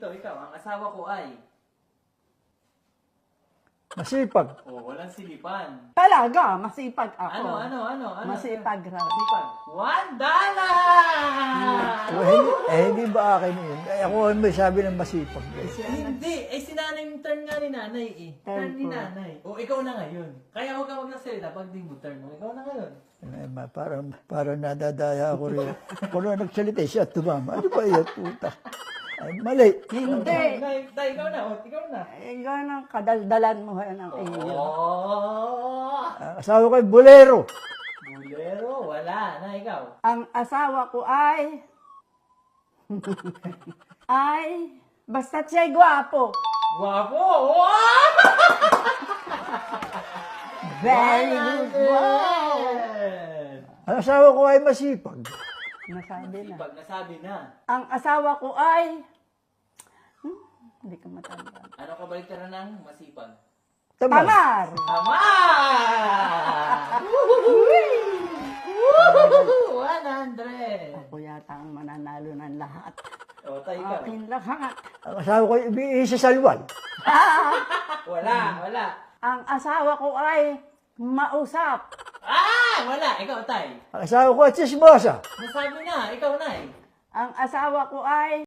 Ikaw, ang asawa ko ay... Masipag. Oh, walang silipan. Talaga, masipag ako. Ano? Masipag raw. Masipag. $1! Hindi ba akin yun? Ako may sabi ng masipag. Hindi. Sinanay yung turn nga ni nanay eh. Turn ni ko. nanay. O, ikaw na ngayon. Kaya huwag ka magsasalita pag di mo turn mo. Ikaw na ngayon. Parang nadadaya ako rin. Kung ano nagsalita, siya tumama. Ano ba yan, puta? Ay, mali. Hindi. Tay, ikaw na. Ikaw na. Yan ang kadaldalan mo ng iyo. Oh! Ang asawa ko ay bolero. Bulero. Wala na. Ikaw. Ang asawa ko ay... basta't siya'y gwapo. Guwapo! Wow! Very good. Wow! Ang asawa ko ay masipag. Nasabi na. Pag nasabi na. Ang asawa ko ay... hindi ko matanda. Ano ka balik ng masipag? Tamad. Tamar! Tama! 100! Ako yata ang mananalo ng lahat. O, tayo ikaw. Akin lahat. Ang asawa ko ay ibiisa sa luwal. Wala. Ang asawa ko ay mausap. Wala. Ikaw, tay. Ang asawa ko ay chismosa. Nasabi na. Ikaw na eh. Ang asawa ko ay